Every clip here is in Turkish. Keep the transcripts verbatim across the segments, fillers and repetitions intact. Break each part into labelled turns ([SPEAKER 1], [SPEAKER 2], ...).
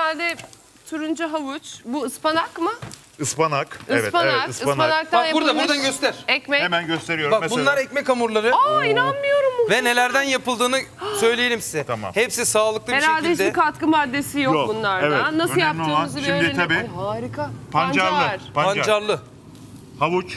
[SPEAKER 1] herhalde turuncu havuç. Bu ıspanak mı?
[SPEAKER 2] Ispanak. Evet,
[SPEAKER 1] Ispanak.
[SPEAKER 2] evet, ıspanak.
[SPEAKER 1] Ispanaktan
[SPEAKER 3] Bak burada,
[SPEAKER 1] yapılmış
[SPEAKER 3] buradan göster.
[SPEAKER 1] ekmek.
[SPEAKER 2] Hemen gösteriyorum.
[SPEAKER 3] Bak
[SPEAKER 2] Mesela.
[SPEAKER 3] bunlar ekmek hamurları.
[SPEAKER 1] Aa inanmıyorum.
[SPEAKER 3] Ve nelerden yapıldığını söyleyelim size.
[SPEAKER 2] Tamam.
[SPEAKER 3] Hepsi sağlıklı bir
[SPEAKER 1] Herhalde
[SPEAKER 3] şekilde.
[SPEAKER 1] hiçbir katkı maddesi yok,
[SPEAKER 2] Yok,
[SPEAKER 1] bunlardan.
[SPEAKER 2] evet.
[SPEAKER 1] Nasıl
[SPEAKER 2] Önemli
[SPEAKER 1] yaptığımızı
[SPEAKER 2] olan-
[SPEAKER 1] bir
[SPEAKER 2] şimdi
[SPEAKER 1] öğrenelim.
[SPEAKER 2] tabii
[SPEAKER 1] Ay, harika.
[SPEAKER 2] Pancarlı.
[SPEAKER 1] Pancar.
[SPEAKER 2] Pancar.
[SPEAKER 3] Pancarlı.
[SPEAKER 2] Havuç.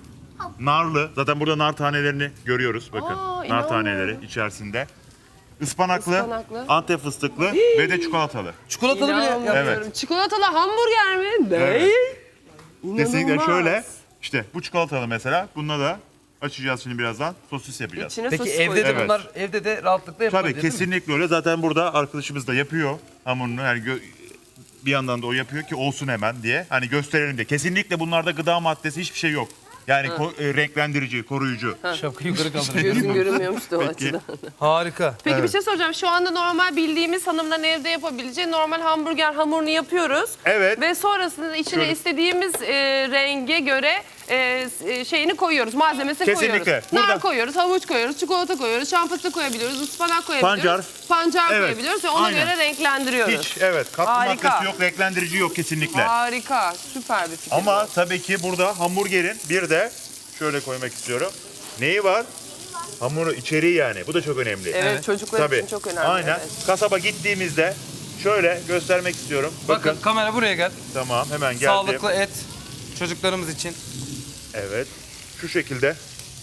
[SPEAKER 2] Narlı. Zaten burada nar tanelerini görüyoruz. Bakın.
[SPEAKER 1] Aa,
[SPEAKER 2] nar
[SPEAKER 1] inanmıyorum.
[SPEAKER 2] taneleri içerisinde. Ispanaklı,
[SPEAKER 1] Ispanaklı.
[SPEAKER 2] Antep fıstıklı ve de çikolatalı.
[SPEAKER 3] Çikolatalı bile. Ya.
[SPEAKER 1] İnanmıyorum.
[SPEAKER 2] Evet.
[SPEAKER 1] Çikolatalı hamburger mi? Ne?
[SPEAKER 2] Evet.
[SPEAKER 1] İnanılmaz.
[SPEAKER 2] Kesinlikle şöyle. İşte bu çikolatalı mesela. Bununla da açacağız şimdi birazdan. Sosis yapacağız.
[SPEAKER 1] İçine
[SPEAKER 3] Peki
[SPEAKER 1] sosis
[SPEAKER 3] evde de
[SPEAKER 1] koyacağız.
[SPEAKER 2] Evet.
[SPEAKER 3] bunlar evde de rahatlıkla yapılabilir
[SPEAKER 2] Tabii
[SPEAKER 3] değil mi?
[SPEAKER 2] kesinlikle öyle. Zaten burada arkadaşımız da yapıyor hamurunu. Yani gö- bir yandan da o yapıyor ki olsun hemen diye. Hani gösterelim diye. Kesinlikle bunlarda gıda maddesi hiçbir şey yok. Yani ko- e, renklendirici, koruyucu.
[SPEAKER 3] Şapkayı yukarı kaldırın.
[SPEAKER 1] Gözün görünmüyormuş da o
[SPEAKER 2] Peki.
[SPEAKER 1] açıdan.
[SPEAKER 3] Harika.
[SPEAKER 1] Peki
[SPEAKER 2] Evet.
[SPEAKER 1] bir şey soracağım. Şu anda normal bildiğimiz hanımların evde yapabileceği normal hamburger hamurunu yapıyoruz.
[SPEAKER 2] Evet.
[SPEAKER 1] Ve sonrasında içine
[SPEAKER 2] Şöyle.
[SPEAKER 1] istediğimiz e, renge göre e, e, şeyini koyuyoruz. Malzemesini
[SPEAKER 2] Kesinlikle.
[SPEAKER 1] koyuyoruz. Nar
[SPEAKER 2] Burada-
[SPEAKER 1] koyuyoruz, havuç koyuyoruz, çikolata koyuyoruz, şan fıstığı koyabiliyoruz, ıspanak koyabiliyoruz.
[SPEAKER 2] Pancar.
[SPEAKER 1] Pancar
[SPEAKER 2] Evet.
[SPEAKER 1] koyabiliyoruz ve ona
[SPEAKER 2] Aynen.
[SPEAKER 1] göre renklendiriyoruz.
[SPEAKER 2] Hiç evet katkı
[SPEAKER 1] Harika.
[SPEAKER 2] maddesi yok, renklendirici yok kesinlikle.
[SPEAKER 1] Harika. Süper bir fikir.
[SPEAKER 2] Ama tabii ki burada hamburgerin bir de şöyle koymak istiyorum. Neyi var? Hamuru içeriği yani. Bu da çok önemli.
[SPEAKER 1] Evet,
[SPEAKER 3] Evet.
[SPEAKER 1] çocuklar
[SPEAKER 2] Tabii.
[SPEAKER 1] için çok önemli.
[SPEAKER 2] Aynen.
[SPEAKER 1] Evet.
[SPEAKER 2] Kasaba gittiğimizde şöyle göstermek istiyorum. Bakın.
[SPEAKER 3] Bakın kamera buraya gel.
[SPEAKER 2] Tamam hemen geldim.
[SPEAKER 3] Sağlıklı et çocuklarımız için.
[SPEAKER 2] Evet. Şu şekilde.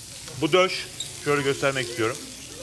[SPEAKER 2] Bu döş. Şöyle göstermek istiyorum.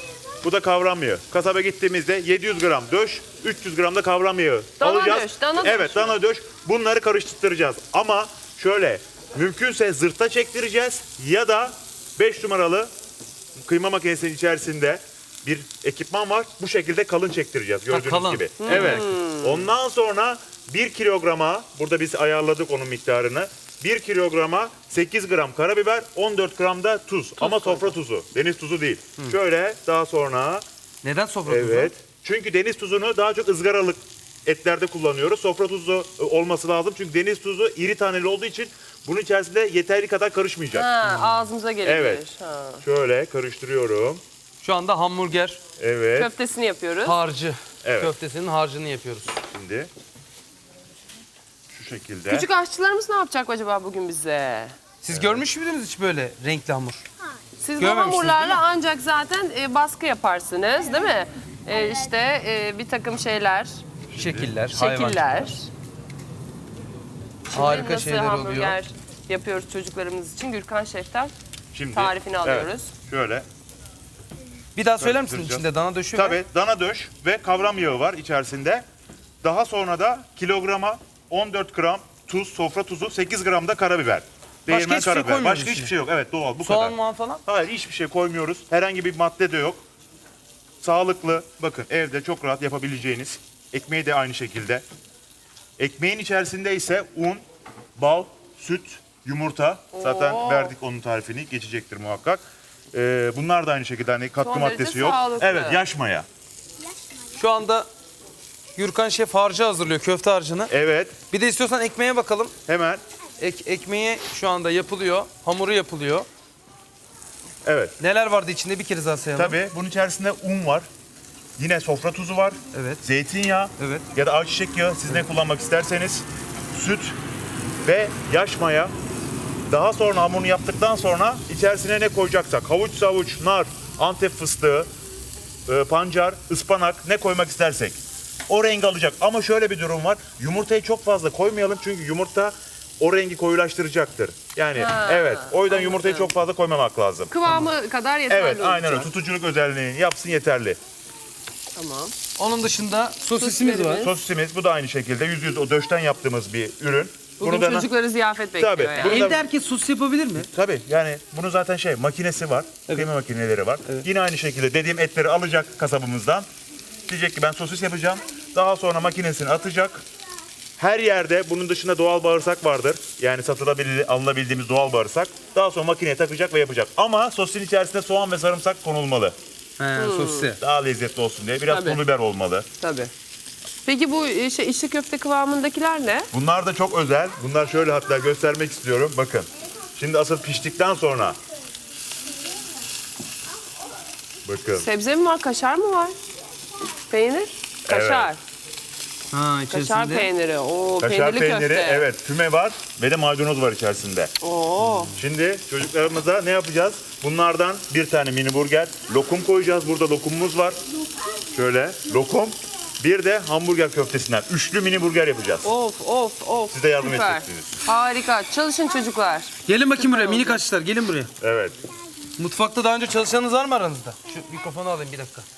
[SPEAKER 2] Bu da kavram yağı. Kasaba gittiğimizde yedi yüz gram döş, üç yüz gram da kavram yağı
[SPEAKER 1] Dana
[SPEAKER 2] alacağız.
[SPEAKER 1] döş, dana döş
[SPEAKER 2] Evet,
[SPEAKER 1] mü?
[SPEAKER 2] dana döş. Bunları karıştıracağız. Ama şöyle mümkünse zırhta çektireceğiz ya da beş numaralı kıyma makinesinin içerisinde bir ekipman var. Bu şekilde kalın çektireceğiz gördüğünüz
[SPEAKER 3] kalın.
[SPEAKER 2] gibi. Evet. Ondan sonra bir kilograma, burada biz ayarladık onun miktarını. bir kilograma sekiz gram karabiber, on dört gram da tuz. Ama sofra tuzu, deniz tuzu değil. Şöyle daha sonra,
[SPEAKER 3] Neden sofra tuzu?
[SPEAKER 2] evet. Çünkü deniz tuzunu daha çok ızgaralık etlerde kullanıyoruz. Sofra tuzu e, olması lazım. Çünkü deniz tuzu iri taneli olduğu için bunun içerisinde yeterli kadar karışmayacak.
[SPEAKER 1] Ha, ağzımıza gelebilir.
[SPEAKER 2] Evet.
[SPEAKER 1] Ha.
[SPEAKER 2] Şöyle karıştırıyorum.
[SPEAKER 3] Şu anda hamburger
[SPEAKER 2] Evet.
[SPEAKER 1] Köftesini yapıyoruz.
[SPEAKER 3] harcı.
[SPEAKER 2] Evet.
[SPEAKER 3] Köftesinin harcını yapıyoruz.
[SPEAKER 2] Şimdi şu şekilde.
[SPEAKER 1] Küçük aşçılarımız ne yapacak acaba bugün bize?
[SPEAKER 3] Siz görmüş müydünüz hiç böyle renkli hamur?
[SPEAKER 1] Siz bu
[SPEAKER 3] Görmemişsiniz,
[SPEAKER 1] hamurlarla
[SPEAKER 3] değil mi?
[SPEAKER 1] ancak zaten e, baskı yaparsınız değil mi? E, işte e, bir takım şeyler,
[SPEAKER 3] Şekiller, hayvan.
[SPEAKER 1] şekiller.
[SPEAKER 3] Harika
[SPEAKER 1] Nasıl
[SPEAKER 3] şeyler
[SPEAKER 1] hamburger
[SPEAKER 3] oluyor.
[SPEAKER 1] yapıyoruz çocuklarımız için? Gürkan Şef'ten
[SPEAKER 2] Şimdi
[SPEAKER 1] tarifini
[SPEAKER 2] evet,
[SPEAKER 1] alıyoruz.
[SPEAKER 2] şöyle.
[SPEAKER 3] Bir daha söyler misin
[SPEAKER 2] Karıştıracağız.
[SPEAKER 3] içinde dana döşü ve
[SPEAKER 2] Tabii dana döş ve kavram yağı var içerisinde. Daha sonra da kilograma on dört gram tuz, sofra tuzu, sekiz gram da karabiber. Değirmen
[SPEAKER 3] hiçbir şey
[SPEAKER 2] karabiber.
[SPEAKER 3] koymuyoruz
[SPEAKER 2] Başka
[SPEAKER 3] içine.
[SPEAKER 2] hiçbir şey yok. Evet doğal bu
[SPEAKER 3] soğan
[SPEAKER 2] kadar.
[SPEAKER 3] muan falan?
[SPEAKER 2] Hayır hiçbir şey koymuyoruz. Herhangi bir madde de yok. Sağlıklı. Bakın evde çok rahat yapabileceğiniz. Ekmeği de aynı şekilde. Ekmeğin içerisinde ise un, bal, süt, yumurta. Zaten
[SPEAKER 1] Oo.
[SPEAKER 2] verdik onun tarifini. Geçecektir muhakkak. Ee, bunlar da aynı şekilde hani katkı
[SPEAKER 1] Son derece
[SPEAKER 2] maddesi yok.
[SPEAKER 1] sağlıklı.
[SPEAKER 2] Evet yaş maya.
[SPEAKER 3] Şu anda Gürkan Şef harcı hazırlıyor, köfte harcını.
[SPEAKER 2] Evet
[SPEAKER 3] Bir de istiyorsan ekmeğe bakalım.
[SPEAKER 2] hemen.
[SPEAKER 3] Ek, ekmeği şu anda yapılıyor, hamuru yapılıyor.
[SPEAKER 2] Evet.
[SPEAKER 3] Neler vardı içinde bir kere daha sayalım.
[SPEAKER 2] Tabii bunun içerisinde un var. Yine sofra tuzu var.
[SPEAKER 3] Evet.
[SPEAKER 2] Zeytinyağı
[SPEAKER 3] Evet.
[SPEAKER 2] ya da ayçiçek yağı siz ne kullanmak isterseniz. Süt ve yaş maya. Daha sonra hamurunu yaptıktan sonra içerisine ne koyacaksak havuç, savuç, nar, Antep fıstığı, e, pancar, ıspanak ne koymak istersek. O rengi alacak. Ama şöyle bir durum var. Yumurtayı çok fazla koymayalım çünkü yumurta o rengi koyulaştıracaktır. Yani
[SPEAKER 1] Ha,
[SPEAKER 2] evet. O yüzden
[SPEAKER 1] anladım.
[SPEAKER 2] yumurtayı çok fazla koymamak lazım.
[SPEAKER 1] Kıvamı kadar yeterli
[SPEAKER 2] Evet, aynen öyle.
[SPEAKER 1] olacak.
[SPEAKER 2] Tutuculuk özelliğini yapsın yeterli.
[SPEAKER 1] Tamam.
[SPEAKER 3] Onun dışında sosisimiz var.
[SPEAKER 1] Sosislerimiz.
[SPEAKER 2] Sosisimiz bu da aynı şekilde yüz yüz o döşten yaptığımız bir ürün.
[SPEAKER 1] Bugün
[SPEAKER 2] da
[SPEAKER 1] çocukları ziyafet bekliyor
[SPEAKER 2] Tabii,
[SPEAKER 1] yani.
[SPEAKER 2] bunu da-
[SPEAKER 3] Evde herkes sos yapabilir mi?
[SPEAKER 2] tabii yani bunun zaten şey makinesi var. Kıyma makineleri var. Yine aynı şekilde dediğim etleri alacak kasabımızdan. Diyecek ki ben sosis yapacağım. Daha sonra makinesini atacak. Her yerde bunun dışında doğal bağırsak vardır. Yani satılabilir, alınabildiğimiz doğal bağırsak. Daha sonra makineye takacak ve yapacak. Ama sosisin içerisine soğan ve sarımsak konulmalı.
[SPEAKER 3] He, sosisi.
[SPEAKER 2] Daha lezzetli olsun diye. Biraz
[SPEAKER 1] Tabii.
[SPEAKER 2] pul biber olmalı.
[SPEAKER 1] Tabii. Peki bu e, şey, içli köfte kıvamındakiler ne?
[SPEAKER 2] Bunlar da çok özel. Bunlar şöyle hatta göstermek istiyorum. Bakın. Şimdi asıl piştikten sonra. Bakın.
[SPEAKER 1] Sebze mi var, kaşar mı var? Peynir? Kaşar.
[SPEAKER 3] Ha
[SPEAKER 1] Kaşar
[SPEAKER 3] içerisinde.
[SPEAKER 1] peyniri. Oo,
[SPEAKER 2] Kaşar
[SPEAKER 1] peynirli
[SPEAKER 2] peyniri,
[SPEAKER 1] köfte.
[SPEAKER 2] evet, füme var ve de maydanoz var içerisinde.
[SPEAKER 1] Oo.
[SPEAKER 2] Şimdi çocuklarımıza ne yapacağız? Bunlardan bir tane mini burger, lokum koyacağız. Burada lokumumuz var. Şöyle lokum. Bir de hamburger köftesinden. Üçlü mini burger yapacağız.
[SPEAKER 1] Of of of.
[SPEAKER 2] Siz de yardım
[SPEAKER 1] Süper.
[SPEAKER 2] edeceksiniz.
[SPEAKER 1] Harika. Çalışın çocuklar.
[SPEAKER 3] Gelin bakayım buraya
[SPEAKER 1] oldu.
[SPEAKER 3] minik açlar gelin buraya.
[SPEAKER 2] Evet.
[SPEAKER 3] Mutfakta daha önce çalışanınız var mı aranızda? Şu mikrofonu alayım bir dakika.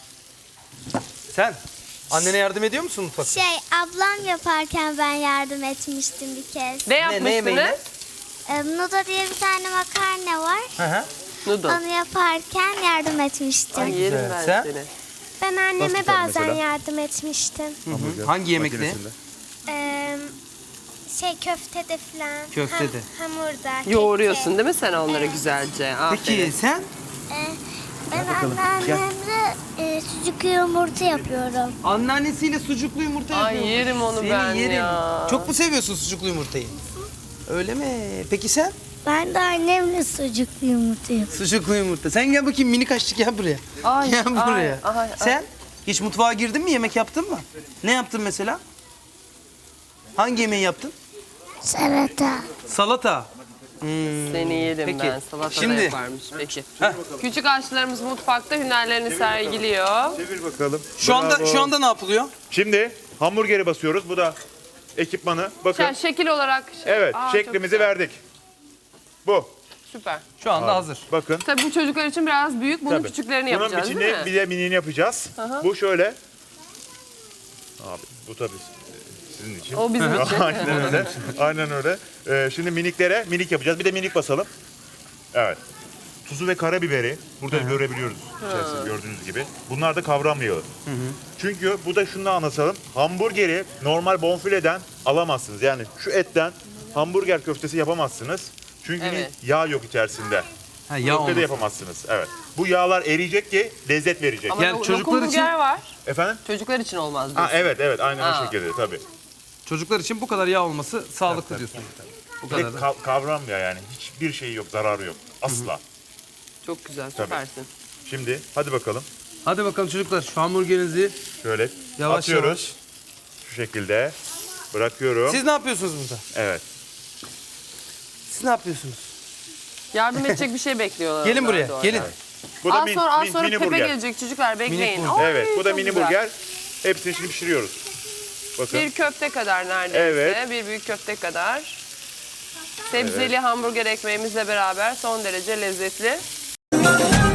[SPEAKER 3] Sen annene yardım ediyor musun mutfakta?
[SPEAKER 4] Şey, ablam yaparken ben yardım etmiştim bir kez.
[SPEAKER 1] Ne
[SPEAKER 3] ne
[SPEAKER 1] yapmıştınız?
[SPEAKER 3] yemeğini?
[SPEAKER 4] Ee, Nuda diye bir tane makarna var.
[SPEAKER 3] Hı hı.
[SPEAKER 1] Noodle.
[SPEAKER 4] Onu yaparken yardım etmiştim.
[SPEAKER 1] Ay yerim
[SPEAKER 3] Güzel.
[SPEAKER 1] ben
[SPEAKER 3] Sen?
[SPEAKER 1] seni.
[SPEAKER 4] Ben anneme
[SPEAKER 2] Nasıl yapar
[SPEAKER 4] bazen
[SPEAKER 2] mesela?
[SPEAKER 4] yardım etmiştim.
[SPEAKER 2] Hamburger
[SPEAKER 3] Hangi yemekte?
[SPEAKER 2] makinesinde.
[SPEAKER 4] Ee, şey köftede falan.
[SPEAKER 3] Köftede.
[SPEAKER 4] Ham, hamurda.
[SPEAKER 1] Yoğuruyorsun
[SPEAKER 4] kekte.
[SPEAKER 1] değil mi sen onları güzelce? Aferin.
[SPEAKER 3] Peki sen?
[SPEAKER 4] Ee, ben anneannemle e, sucuklu yumurta yapıyorum.
[SPEAKER 3] Anneannesiyle sucuklu yumurta
[SPEAKER 1] Ay,
[SPEAKER 3] yapıyormuş.
[SPEAKER 1] yerim onu
[SPEAKER 3] Seni
[SPEAKER 1] ben
[SPEAKER 3] yerim.
[SPEAKER 1] ya.
[SPEAKER 3] Çok mu seviyorsun sucuklu yumurtayı? Öyle mi? Peki sen?
[SPEAKER 4] Ben de annemle sucuklu yumurta yapıyorum.
[SPEAKER 3] Sucuklu yumurta. Sen gel bakayım minik aşçı gel buraya.
[SPEAKER 1] Ay,
[SPEAKER 3] gel
[SPEAKER 1] ay,
[SPEAKER 3] buraya.
[SPEAKER 1] ay, ay.
[SPEAKER 3] Sen hiç mutfağa girdin mi? Yemek yaptın mı? Ne yaptın mesela? Hangi yemeği yaptın?
[SPEAKER 4] Salata.
[SPEAKER 3] Salata. Hmm.
[SPEAKER 1] Seni yerim
[SPEAKER 3] Peki,
[SPEAKER 1] ben. Salata
[SPEAKER 3] şimdi-
[SPEAKER 1] da yaparmış. Peki.
[SPEAKER 3] Heh.
[SPEAKER 1] Küçük aşçılarımız mutfakta hünerlerini sergiliyor.
[SPEAKER 2] Çevir bakalım.
[SPEAKER 3] Şu anda
[SPEAKER 2] Bravo.
[SPEAKER 3] şu anda ne yapılıyor?
[SPEAKER 2] Şimdi hamburgeri basıyoruz. Bu da ekipmanı. Bakın.
[SPEAKER 1] Yani şekil olarak. şey-
[SPEAKER 2] Evet,
[SPEAKER 1] Aa, çok
[SPEAKER 2] şeklimizi
[SPEAKER 1] güzel.
[SPEAKER 2] verdik. Bu.
[SPEAKER 1] Süper.
[SPEAKER 3] Şu anda hazır.
[SPEAKER 2] Bakın.
[SPEAKER 1] Tabii bu çocuklar için biraz büyük. Bunun
[SPEAKER 2] Tabii.
[SPEAKER 1] küçüklerini
[SPEAKER 2] Bunun
[SPEAKER 1] yapacağız
[SPEAKER 2] içini
[SPEAKER 1] değil mi?
[SPEAKER 2] bir de minini yapacağız. Bu şöyle. Abi bu tabii sizin için.
[SPEAKER 1] O bizim için.
[SPEAKER 2] Aynen öyle. Aynen öyle. Ee, şimdi miniklere minik yapacağız. Bir de minik basalım. Evet. Tuzu ve karabiberi burada görebiliyoruz içerisinde gördüğünüz gibi. Bunlar da kavram yağı. Çünkü bu da şunu anlatalım. Hamburgeri normal bonfileden alamazsınız. Yani şu etten hamburger köftesi yapamazsınız. Çünkü
[SPEAKER 1] Evet.
[SPEAKER 2] yağ yok içerisinde.
[SPEAKER 3] Ha, yağ
[SPEAKER 2] Köfte de
[SPEAKER 3] olmasın.
[SPEAKER 2] yapamazsınız. Evet. Bu yağlar eriyecek ki lezzet verecek.
[SPEAKER 1] Ama
[SPEAKER 3] Yani
[SPEAKER 1] lo-
[SPEAKER 3] çocuklar
[SPEAKER 1] lokum burger
[SPEAKER 3] için-
[SPEAKER 1] var.
[SPEAKER 2] Efendim?
[SPEAKER 1] Çocuklar için olmaz
[SPEAKER 2] Ha,
[SPEAKER 1] diyorsun.
[SPEAKER 2] evet evet aynen
[SPEAKER 1] Ha.
[SPEAKER 2] o şekilde tabii.
[SPEAKER 3] Çocuklar için bu kadar yağ olması sağlıklı diyorsun. Bu
[SPEAKER 2] Bir de
[SPEAKER 3] kadar da.
[SPEAKER 2] ka- kavram ya yani. Hiçbir şey yok, zararı yok. Asla.
[SPEAKER 1] Çok güzel,
[SPEAKER 2] Tabii.
[SPEAKER 1] süpersin.
[SPEAKER 2] Şimdi hadi bakalım.
[SPEAKER 3] Hadi bakalım çocuklar şu hamburgerinizi
[SPEAKER 2] Şöyle
[SPEAKER 3] yavaş
[SPEAKER 2] atıyoruz.
[SPEAKER 3] yavaş.
[SPEAKER 2] Şu şekilde. Bırakıyorum.
[SPEAKER 3] Siz ne yapıyorsunuz burada?
[SPEAKER 2] Evet.
[SPEAKER 3] Siz ne yapıyorsunuz?
[SPEAKER 1] Yardım edecek bir şey bekliyorlar.
[SPEAKER 3] Gelin
[SPEAKER 1] onlar
[SPEAKER 3] buraya,
[SPEAKER 1] da orada.
[SPEAKER 3] gelin.
[SPEAKER 2] Bu da
[SPEAKER 1] Az
[SPEAKER 2] min-
[SPEAKER 1] sonra, az
[SPEAKER 2] min-
[SPEAKER 1] sonra
[SPEAKER 2] mini
[SPEAKER 1] Pepe
[SPEAKER 2] burger.
[SPEAKER 1] gelecek çocuklar bekleyin.
[SPEAKER 3] burger.
[SPEAKER 1] Ay,
[SPEAKER 2] Evet, bu da
[SPEAKER 1] çok
[SPEAKER 2] mini
[SPEAKER 1] güzel.
[SPEAKER 2] burger. Hepsini şimdi pişiriyoruz. Bakın.
[SPEAKER 1] Bir köfte kadar neredeyse.
[SPEAKER 2] Evet.
[SPEAKER 1] Bir büyük köfte kadar. Sebzeli hamburger ekmeğimizle beraber son derece lezzetli.